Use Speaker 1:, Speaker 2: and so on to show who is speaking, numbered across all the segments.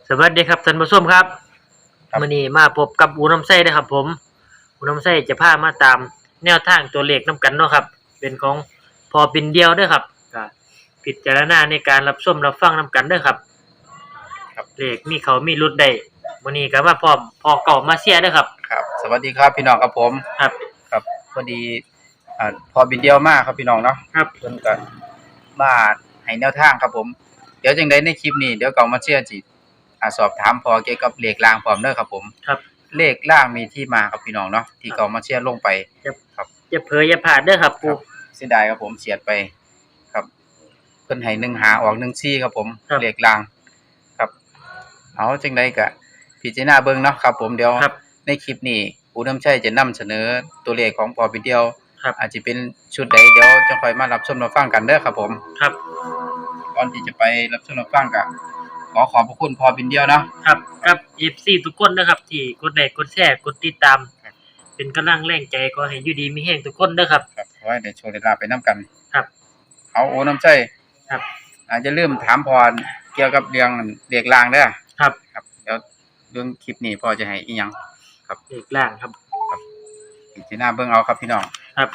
Speaker 1: สวัสดีครับท่านผู้ชมครับ
Speaker 2: ครับ
Speaker 1: มื้อนี้มาพบกับอูน้ำไส้เด้อครับผมอูน้ำไส้จะพามาตามแนวทางตัวเลขนํกันเนาะครับเป็นของพอปิ่นเดียวเด้อครับก็พิจารณาในการรับชมรับฟังนํกันเด้อครับ
Speaker 2: ครับ
Speaker 1: เลขมีเขามีหลุดได้มื้อนี้ก็มาพร้อมพอเก่ามาเชียร์เด้อครับ
Speaker 2: ครับสวัสดีครับพี่น้องครับผม
Speaker 1: ครับ
Speaker 2: ครับพอดีพอบินเดียวมาครับพี่น้องเนาะ
Speaker 1: ครับ
Speaker 2: เพิ่นก็มาให้แนวทางครับผมเดี๋ยวจังได๋ในคลิปนี้เดี๋ยวก็มาเชียร์จิสอบถามพอเกี่ยวกับเลขรางพร้อมเด้อครับผม
Speaker 1: ครับ
Speaker 2: เลขรางมีที่มาครับพี่น้องเนาะที่เขามาเชียร์ลงไปครับ
Speaker 1: อย่าเผลออย่าพลาดเด้อครับปู่
Speaker 2: เสียดายครับผมเสียดไปครับเพิ่นให้1 5ออก1 4ครับผมเลขรางครับเอาจังได๋ก็พิจารณาเบิ่งเนาะครับผมเดี๋ยวในคลิปนี้อูน้ำชัยจะนำเสนอตัวเลขของพอบินเดียวอาจจะเป็นชุดใดเดี๋ยวจังค่อยมารับชมรับฟังกันเด้อครับผม
Speaker 1: ครับ
Speaker 2: ก่อนที่จะไปรับชมรับฟังก็ขอบพระคุณพอบินเดียวเนาะ
Speaker 1: ครับครับ FC ทุกคนนะครับที่กดไลค์กดแชร์กดติดตามเป็นกำลังแรงใจขอให้อยู่ดีมีแรงทุกคนเด้อครับ
Speaker 2: ครับขอให้ได้โชคได้ลาภไปนํกัน
Speaker 1: ครับ
Speaker 2: เอาโอ้น้ำชัย
Speaker 1: ครับ
Speaker 2: อย่าลืมถามพรเกี่ยวกับเรื่องเลขรางเด้อ
Speaker 1: ครับ
Speaker 2: เดี๋ยวเรื่องคลิปนี้พ่อจะให้อีหยังครับ
Speaker 1: เลขล่างครับ
Speaker 2: พิจารณาเบิ่งเอาครับพี่น้อง
Speaker 1: ครับ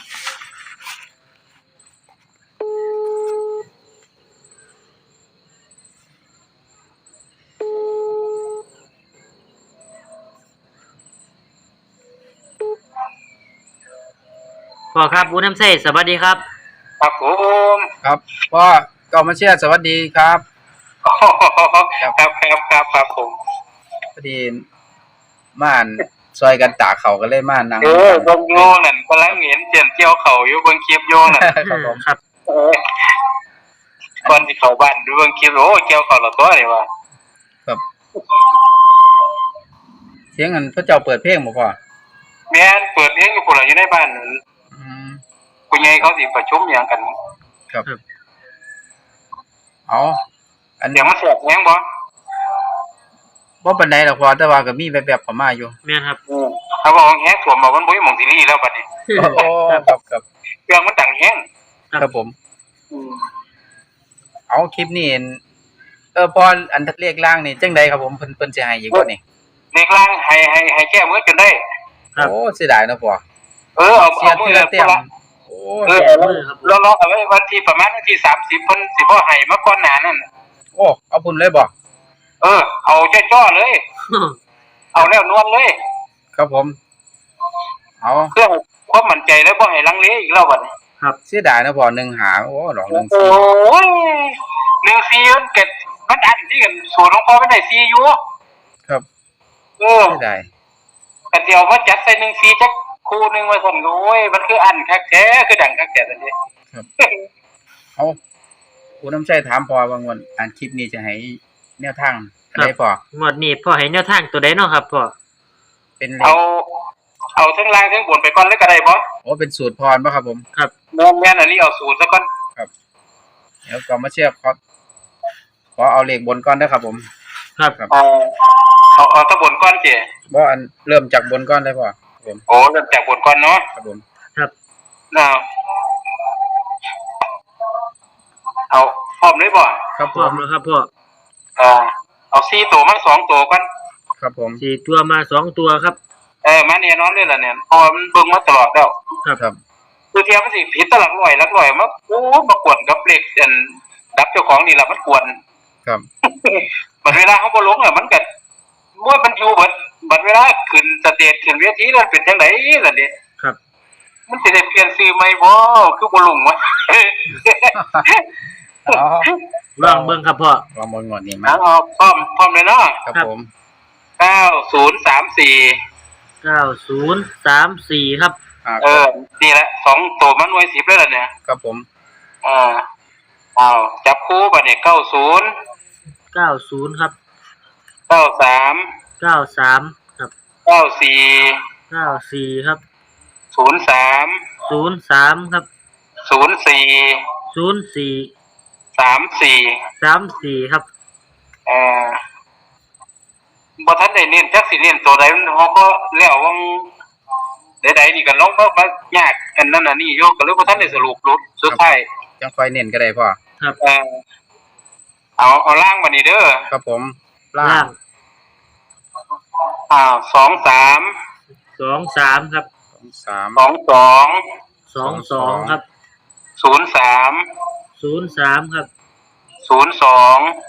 Speaker 1: พ่อครับอูน้ำใส่สวัสดีครับ
Speaker 3: ครับผม
Speaker 2: ครับพ่อก็มาเชียร์สวัสดีครับ
Speaker 3: ครับผม
Speaker 2: พอดีม่านซอยกันตากเขาก็เลยม่านนั่ง
Speaker 3: เบิ่งโยนั่นกำลังเห็นเจียนเจียวเขาอยู่เบิ่งคลิปโยนั่น
Speaker 2: ครับผม
Speaker 1: ครับ
Speaker 3: ก่อนที่เข้าบ้านดูเบิ่งคลิปโอ้เจียวเขาละตัวนี่ว่า
Speaker 2: ครับเสียงอันพระเจ้าเปิดเพลงบ่พ่อ
Speaker 3: แม่นเปิดเพลงอยู่พุ่นล่ะอยู่ในบ้านผู้ใหญ่เขาสิประชุมหยังกัน
Speaker 2: ครับเอา
Speaker 3: อันเดี๋ยวมันแสบแฮงบ่
Speaker 2: ปานใดดอกพ่อแต่ว่าก็มีแวบๆเข้ามาอยู่
Speaker 1: แม่นครับ
Speaker 3: ถ้าว่าแฮงท่วมมันบ่มีหม่องสิรีแล้วบัดนี้
Speaker 2: โอ้ครับ
Speaker 3: เครื่องมันดังแฮง
Speaker 2: ครับผมเอาคลิปนี้พออันเลขล่างนี่จังได๋ครับผมเพิ่นสิให้อีกบ่นี่
Speaker 3: เลขล่างให้แก้มือจนได้
Speaker 2: โอ้เสียดายเนาะพ่อ
Speaker 3: เอามือเต็ม
Speaker 2: โอ้
Speaker 3: รอเอาไว้วันที่ประมาณวันที่30เพิ่นสิบ่ให้มาก่อนหน้านั้น
Speaker 2: โอ้เอาพุ่นเลยบ่
Speaker 3: เอาจ้อๆเลยเอาแล้วนวลเลย
Speaker 2: ครับผมเอา
Speaker 3: เพื่อความมั่นใจแล้วบ่ให้ลังเลอีกแล้วบัดนี้
Speaker 2: ครับเสียดายนะพ่อ1 5โอ้หลอก1 4
Speaker 3: โอ้ย1 4มันเกิดมันอันที่กันสูตรของพ่อไม่ได้4อยู่
Speaker 2: ครับเสียดาย
Speaker 3: ก็สิเอามาจัดใส่1 4จักคู่นึงไว้ซั่นโอ้ยมันคืออันคักแท้คือดังคักแท้ซั่นเด้
Speaker 2: ครับเอาผู้นำชัยถามพ่อว่างวดอันคลิปนี้จะให้แนวทางอันใดพ่
Speaker 1: องวดนี้พ่อให้แนวทางตัวใดเนาะครับพ่อ
Speaker 2: เป็น
Speaker 3: เอาทั้งล่างทั้งบนไปก่อนเลยก็ได้บ่
Speaker 2: โอ้เป็นสูตรพรบ่ครับผม
Speaker 1: ครับ
Speaker 3: แม่นอันนี้เอาสูตรซะก่อน
Speaker 2: ครับเดี๋ยวก็มาเชียร์ขอเอาเลขบนก่อนเด้อครับผม
Speaker 1: ครับ
Speaker 3: เอาตะบนก่อนสิ
Speaker 2: บ่อันเริ่มจากบนก่อนได้พ่อผม
Speaker 3: โอ้เริ่มจากบนก่อนเนาะ
Speaker 2: ครับผม
Speaker 1: ครับ
Speaker 3: เอาพร้อมเลยบ่
Speaker 2: ครับ
Speaker 1: พร้อมแล้วครับพ่อ
Speaker 3: เอา4ตัวมา2ตัวก่อน
Speaker 2: ครับผม
Speaker 1: 4ตัวมา2ตัวครับ
Speaker 3: มาแน่นอนเลยล่ะเนี่ยพอมันเบิ่งมาตลอดแล้ว
Speaker 2: ครับ
Speaker 3: คือเทียมมันสิผิดตลักร้อยมาโอ้มากวนกับเลขอันดับเจ้าของนี่ล่ะมันกวน
Speaker 2: ครับ
Speaker 3: บัดเวลาเฮาบ่ลงอ่ะมันก็บ่มันอยู่บัดเวลาขึ้นสเตจขึ้นเวทีแล้วเป็นจังได๋ล่ะนี่
Speaker 1: ครับ
Speaker 3: มันสิได้เปลี่ยนชื่อใหม่บ่คือบ่ลงวะ
Speaker 1: ลองเบิ่งครับพ่อ
Speaker 2: ลองเบิ่งงวดนี้มา
Speaker 3: พร้อมเลยเนาะ
Speaker 2: ครับผม
Speaker 3: 9034
Speaker 1: ครับ
Speaker 3: นี่แหละ2ตัวมันหน่วย10เลยล่ะเนี่ย
Speaker 2: ครับผม
Speaker 3: จับคู่บัดนี้90
Speaker 1: ครับ
Speaker 3: 93
Speaker 1: ครับ
Speaker 3: 94
Speaker 1: ครับ
Speaker 3: 03
Speaker 1: ครับ
Speaker 3: 04 34
Speaker 1: ครับ
Speaker 3: บ่ทันได้เน้นจักสิเน้นตัวใดมันเฮาก็แล้ววังใดๆนี่ก็ลองมายากอันนั้นอันนี้อยู่ก็เลยบ่ทันได้สรุปสุดท้าย
Speaker 2: จังค่อยเน้นก็ได้พ่อ
Speaker 1: ครับ
Speaker 3: เอาล่างบัดนี้เด้อ
Speaker 2: ครับผมล่าง
Speaker 3: สองสาม
Speaker 1: 23ครับ
Speaker 2: 23
Speaker 3: สองสอง
Speaker 1: 22ครับ
Speaker 3: ศูนย์สาม
Speaker 1: 03ครับ
Speaker 3: ศูนย์สอง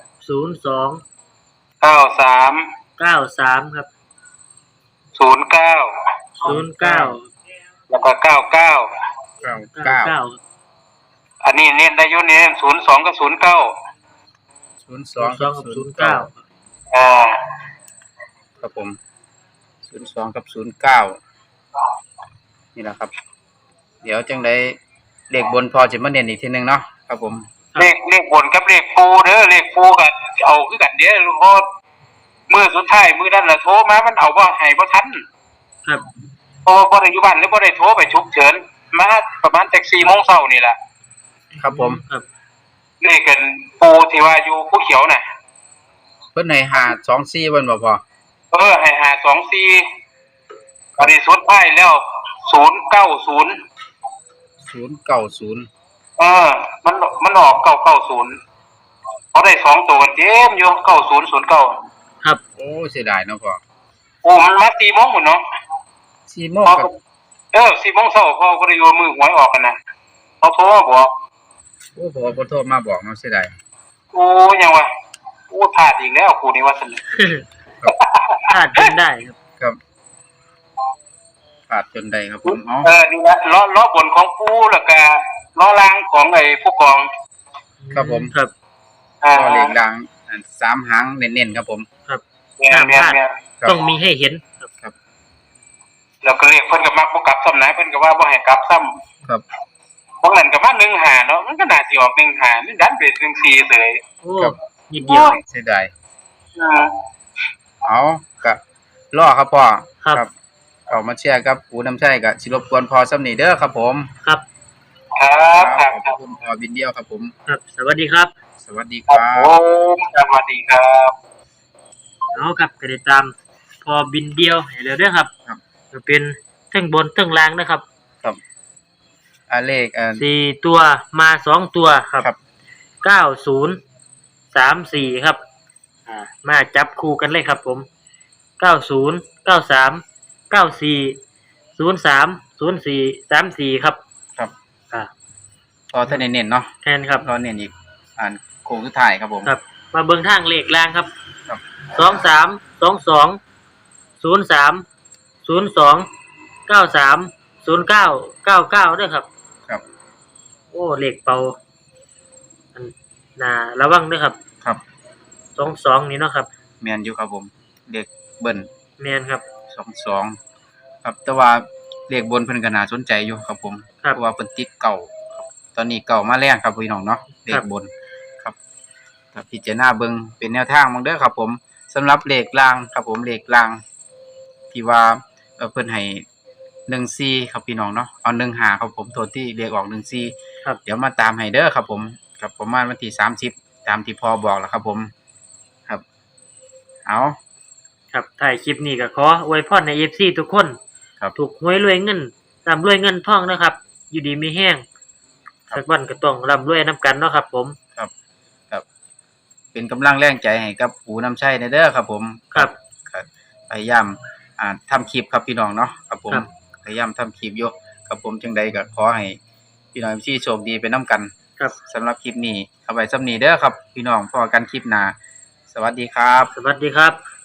Speaker 1: 02
Speaker 3: เก้าสาม
Speaker 1: 93ครับ
Speaker 3: ศูนย์เก้า
Speaker 1: 09
Speaker 3: แล้วก็เก้าเก้า
Speaker 1: 99
Speaker 3: อันนี้เน้นได้อยุ่เน้น02กับ09
Speaker 2: 02
Speaker 1: กับ09
Speaker 2: ครับผม02กับ09นี่แหละครับ เดี๋ยวจังได๋เลขบนพอจะมาเน้นอีกทีนึงเนาะครับผม
Speaker 3: เลขบนกับเลขปูเด้อเลขปูก็เอาคือกันเด้อเพราะมื้อสุดท้ายมื้อนั้นล่ะโทรมามันเอาบ่ให้บ่ทัน
Speaker 1: ครับ
Speaker 3: เพราะว่าบ่ได้อยู่บ้านหรือบ่ได้โทรไปฉุกเฉินมาประมาณจัก 4:00 นนี่ล่ะ
Speaker 2: ครับผม
Speaker 1: ครับ
Speaker 3: เลขกันปูที่ว่าอยู่ภูเขียวน่ะ
Speaker 2: เพิ่นให้524เพิ่นบ่พอ
Speaker 3: ให้524อันนี้สุดท้ายแล้ว090
Speaker 2: 090
Speaker 3: มันออก990เขาได้2ตัวกันเต็มอยู่9009
Speaker 1: ครับ
Speaker 2: โอ้เสียดายเนาะพ่อ
Speaker 3: โอ้มันมา4:00 นพุ่นเนาะ
Speaker 2: 4 โมงกับ
Speaker 3: 4:00 นเขาก็ได้อยู่มือหวยออกกันนะเขาโทรมาบอก
Speaker 2: โอ้พ่อบ่โทรมาบอกเนาะเสียดาย
Speaker 3: โอ้ยังวะโอ้พลาดอีกแล้วครูนี่ว่าซั่น
Speaker 1: พลาดจนได้ครับ
Speaker 2: ครับขาดจนได้ครับผมเอ้า
Speaker 3: นี่นะล้อบนของปูแล้วก็ล้อล่างของไอ้ผู้กอง
Speaker 2: ครับผม
Speaker 1: ครับ
Speaker 2: ก็เลขดัง3หางเน้นๆครับผม
Speaker 1: ครับ
Speaker 3: เนี่ย
Speaker 2: ครับ
Speaker 1: ต้องมีให้เห็นครับ
Speaker 3: แล้วก็เรียกเพิ่นก็มักบ่กลับซ้ำนะเพิ่นก็ว่าบ่ให้กลับซ้ำ
Speaker 2: ครับ
Speaker 3: บางนั้นก็มา15เนาะมันก็น่าสิออก15นี่ดันเป็น14เสย
Speaker 1: โอ้
Speaker 2: ครับ
Speaker 1: นิดเดียว
Speaker 2: เสียดายเอาก็รอครับพ่อ
Speaker 1: ครับ
Speaker 2: เอามาแชร์กับปูน้ำชัยก็สิรบกวนพอซ้ำนี่เด้อครับผม
Speaker 1: ครับ
Speaker 3: ครับค
Speaker 2: ข
Speaker 3: รั
Speaker 2: อ
Speaker 3: บบ ครับ
Speaker 2: คุณพอบินเดียวครับผม
Speaker 1: ครับ สวัสดีครับ
Speaker 2: สวัสดี
Speaker 3: ค
Speaker 2: ค
Speaker 3: รั
Speaker 2: รั
Speaker 3: บบ ผมสวัสดีครับ
Speaker 1: เอาครับก็ได้ตามพอบินเดียวให้แล้วเด้อครับ
Speaker 2: ครับ
Speaker 1: จะเป็นเทั้งบนเทั้งล่างนะครับ
Speaker 2: เลข
Speaker 1: 4ตัวมา2ตัวครับ
Speaker 2: ครับ
Speaker 1: 9034ครับมาจับคู่กันเลยครับผม90 93 94 03 04 34ครับ
Speaker 2: ครับ
Speaker 1: อ่า
Speaker 2: พอท่านเน้นๆเนาะ
Speaker 1: แทนครับ
Speaker 2: รอเน้นอีกโค้งสุดท้ายครับผม
Speaker 1: ครับ มาเบิ่งทางเลขล่างครับ
Speaker 2: ครับ
Speaker 1: 23 22 03 02 93 09 99ด้วยครับ
Speaker 2: ครับ
Speaker 1: โอ้เลขเป่าอันน่าระวังด้วยครับ
Speaker 2: ครับ
Speaker 1: 22นี่เนาะครับ
Speaker 2: แม่นอยู่ครับผมเลขเบิ้ล
Speaker 1: แม่นครับ
Speaker 2: 22ครับแต่ว่าเลขบนเพิ่นก็น่าสนใจอยู่ครับผม
Speaker 1: ครับ
Speaker 2: เพราะว่าเพิ่นติดเก่าครับตอนนี้เก่ามาแรงครับพี่น้องเนาะเล
Speaker 1: ครั
Speaker 2: ข
Speaker 1: บ
Speaker 2: บนครับถ้าพิจารณาเบิ่งเป็นแนวทางเด้อครับผมสำหรับเลขล่างครับผมเลขล่างที่ว่าเพิ่นให้14ครับพี่น้องเนาะเอา15ครับผมโทษที่เลขออก14
Speaker 1: ครับ
Speaker 2: เดี๋ยวมาตามให้เด้อครับผมครับประมาณวันที่30ตามที่พ่อบอกแล้วครับผมครับเอา
Speaker 1: ครับถ่ายคลิปนี้ก็ขออวยพรใน FC ทุกคน
Speaker 2: ครับ
Speaker 1: ถูกหวยรวยเงินร่ำรวยเงินทองนะครับ อยู่ดีมีแห้ง
Speaker 2: ครับ
Speaker 1: สักวันก็ต้องร่ำรวยนํกันเนาะครับผม
Speaker 2: ครับเป็นกำลังแรงใจให้กับปู่น้ำชัยเด้อครับผม
Speaker 1: ครับ
Speaker 2: ครับพยายามทำคลิปครับพี่น้องเนาะครับผม
Speaker 1: ครับ
Speaker 2: พยายามทำคลิปอยู่ครับผมจังใดก็ขอให้พี่น้องที่โชคดีไปนํกัน
Speaker 1: ครับ
Speaker 2: สำหรับคลิปนี้เอาไว้ซ้ำนี้เด้อครับ พี่น้องพอกันคลิปหน้าสวัสดีครับ
Speaker 1: สวัสดีครับ